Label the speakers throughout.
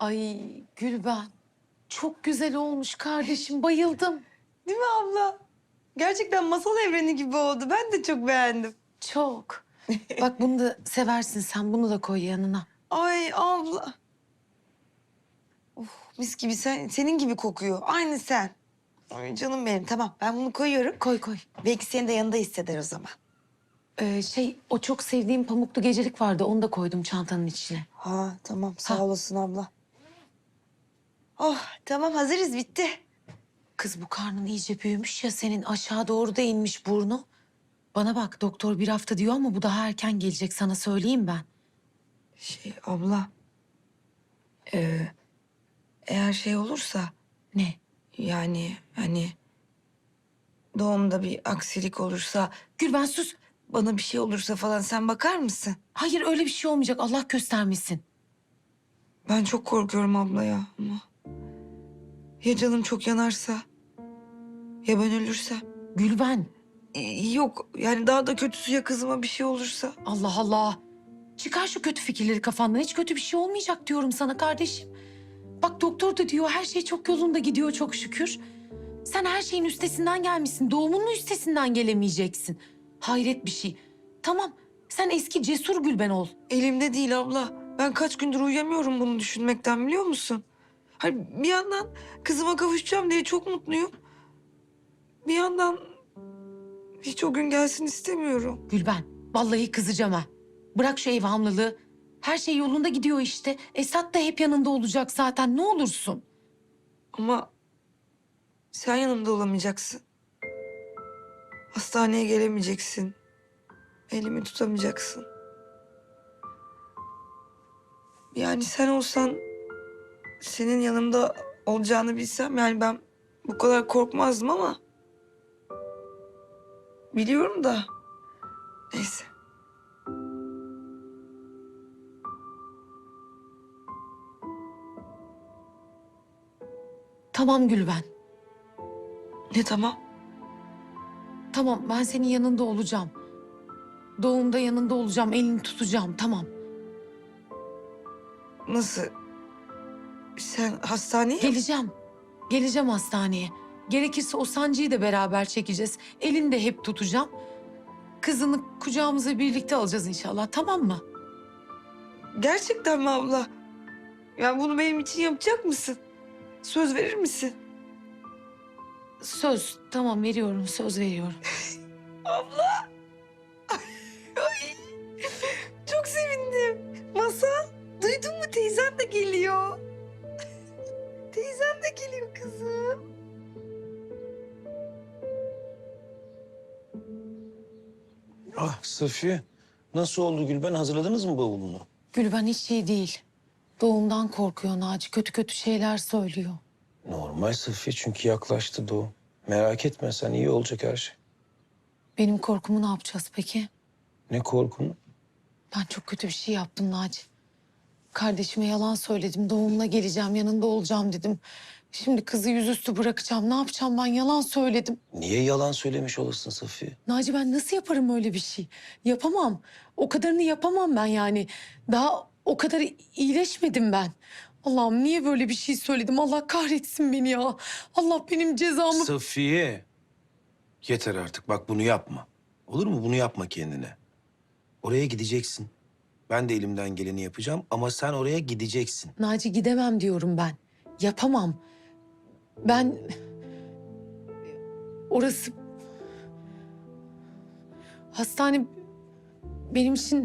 Speaker 1: Ay Gülben, çok güzel olmuş kardeşim, bayıldım.
Speaker 2: Değil mi abla? Gerçekten masal evreni gibi oldu. Ben de çok beğendim.
Speaker 1: Çok. Bak bunu da seversin sen, bunu da koy yanına.
Speaker 2: Ay abla. Of, mis gibi senin gibi kokuyor. Aynı sen. Ay canım benim. Tamam ben bunu koyuyorum.
Speaker 1: Koy koy.
Speaker 2: Belki seni de yanında hisseder o zaman.
Speaker 1: O çok sevdiğim pamuklu gecelik vardı, onu da koydum çantanın içine.
Speaker 2: Ha tamam sağ
Speaker 1: Ha.
Speaker 2: olasın abla. Oh tamam hazırız bitti.
Speaker 1: Kız bu karnın iyice büyümüş ya senin, aşağı doğru da inmiş burnu. Bana bak, doktor bir hafta diyor ama bu daha erken gelecek, sana söyleyeyim ben.
Speaker 2: Abla. Eğer şey olursa
Speaker 1: Ne?
Speaker 2: yani hani doğumda bir aksilik olursa
Speaker 1: Gülben sus.
Speaker 2: bana bir şey olursa falan sen bakar mısın?
Speaker 1: Hayır, öyle bir şey olmayacak, Allah göstermesin.
Speaker 2: Ben çok korkuyorum abla ya ama. Ya canım çok yanarsa? Ya ben ölürsem?
Speaker 1: Gülben.
Speaker 2: Yok yani daha da kötüsü ya kızıma bir şey olursa?
Speaker 1: Allah Allah. Çıkar şu kötü fikirleri kafandan. Hiç kötü bir şey olmayacak diyorum sana kardeşim. Bak doktor da diyor her şey çok yolunda gidiyor çok şükür. Sen her şeyin üstesinden gelmişsin. Doğumunun üstesinden gelemeyeceksin. Hayret bir şey. Tamam, sen eski cesur Gülben ol.
Speaker 2: Elimde değil abla. Ben kaç gündür uyuyamıyorum bunu düşünmekten biliyor musun? Hani bir yandan kızıma kavuşacağım diye çok mutluyum. Bir yandan hiç o gün gelsin istemiyorum.
Speaker 1: Gülben, vallahi kızacağım ha. Bırak şu evhamlılığı. Her şey yolunda gidiyor işte. Esat da hep yanında olacak zaten. Ne olursun.
Speaker 2: Ama sen yanımda olamayacaksın. Hastaneye gelemeyeceksin. Elimi tutamayacaksın. Yani sen olsan senin yanımda olacağını bilsem yani ben bu kadar korkmazdım ama biliyorum da neyse.
Speaker 1: Tamam Gülben.
Speaker 2: Ne tamam?
Speaker 1: Tamam, ben senin yanında olacağım. Doğumda yanında olacağım, elini tutacağım, tamam.
Speaker 2: Nasıl? Sen hastaneye?
Speaker 1: Geleceğim. Geleceğim hastaneye. Gerekirse o sancıyı da beraber çekeceğiz. Elini de hep tutacağım. Kızını kucağımıza birlikte alacağız inşallah, tamam mı?
Speaker 2: Gerçekten mi abla? Yani bunu benim için yapacak mısın? Söz verir misin?
Speaker 1: Söz, tamam veriyorum, söz veriyorum.
Speaker 2: Abla. Ay, çok sevindim. Masal, duydun mu teyzem de geliyor. Teyzem de geliyor kızım.
Speaker 3: Ah Safiye, nasıl oldu Gülben? Hazırladınız mı bavulunu?
Speaker 1: Gülben hiç iyi değil. Doğumdan korkuyor Naci, kötü kötü şeyler söylüyor.
Speaker 3: Normal Safiye çünkü yaklaştı doğum. Merak etme sen, iyi olacak her şey.
Speaker 1: Benim korkumu ne yapacağız peki?
Speaker 3: Ne korkun?
Speaker 1: Ben çok kötü bir şey yaptım Naci. Kardeşime yalan söyledim. Doğumuna geleceğim, yanında olacağım dedim. Şimdi kızı yüzüstü bırakacağım. Ne yapacağım ben? Yalan söyledim.
Speaker 3: Niye yalan söylemiş olasın Safiye?
Speaker 1: Naci ben nasıl yaparım öyle bir şey? Yapamam. O kadarını yapamam ben yani. Daha o kadar iyileşmedim ben. Allah'ım niye böyle bir şey söyledim? Allah kahretsin beni ya. Allah benim cezamı...
Speaker 3: Safiye, yeter artık bak bunu yapma. Olur mu? Bunu yapma kendine. Oraya gideceksin. Ben de elimden geleni yapacağım ama sen oraya gideceksin.
Speaker 1: Naci gidemem diyorum ben. Yapamam. Ben... Orası... Hastane benim için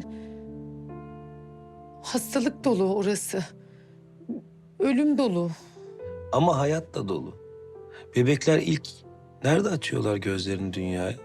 Speaker 1: hastalık dolu orası. Ölüm dolu.
Speaker 3: Ama hayat da dolu. Bebekler ilk nerede açıyorlar gözlerini dünyaya?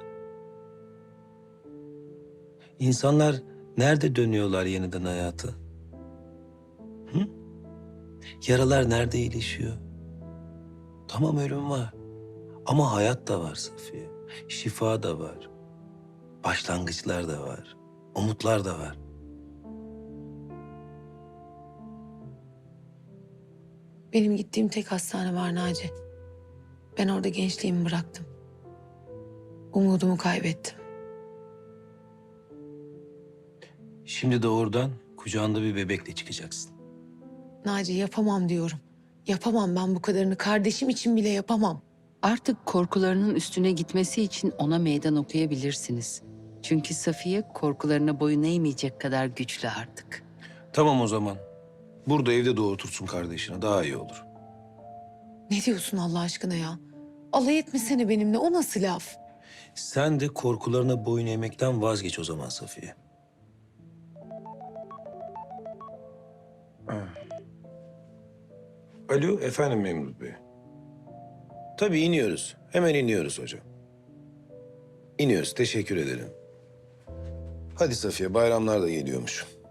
Speaker 3: İnsanlar nerede dönüyorlar yeniden hayata? Hı? Yaralar nerede iyileşiyor? Tamam ölüm var. Ama hayat da var Safiye. Şifa da var. Başlangıçlar da var. Umutlar da var.
Speaker 1: Benim gittiğim tek hastane var Naci. Ben orada gençliğimi bıraktım. Umudumu kaybettim.
Speaker 3: Şimdi de oradan kucağında bir bebekle çıkacaksın.
Speaker 1: Naci yapamam diyorum. Yapamam ben bu kadarını. Kardeşim için bile yapamam.
Speaker 4: Artık korkularının üstüne gitmesi için ona meydan okuyabilirsiniz. Çünkü Safiye korkularına boyun eğmeyecek kadar güçlü artık.
Speaker 3: Tamam o zaman. Burada evde doğurtursun kardeşine. Daha iyi olur.
Speaker 1: Ne diyorsun Allah aşkına ya? Alay etmesene benimle. O nasıl laf?
Speaker 3: Sen de korkularına boyun eğmekten vazgeç o zaman Safiye. Alo, efendim Memduh Bey. Tabii iniyoruz. Hemen iniyoruz hocam. İniyoruz, teşekkür ederim. Hadi Safiye, bayramlar da geliyormuş.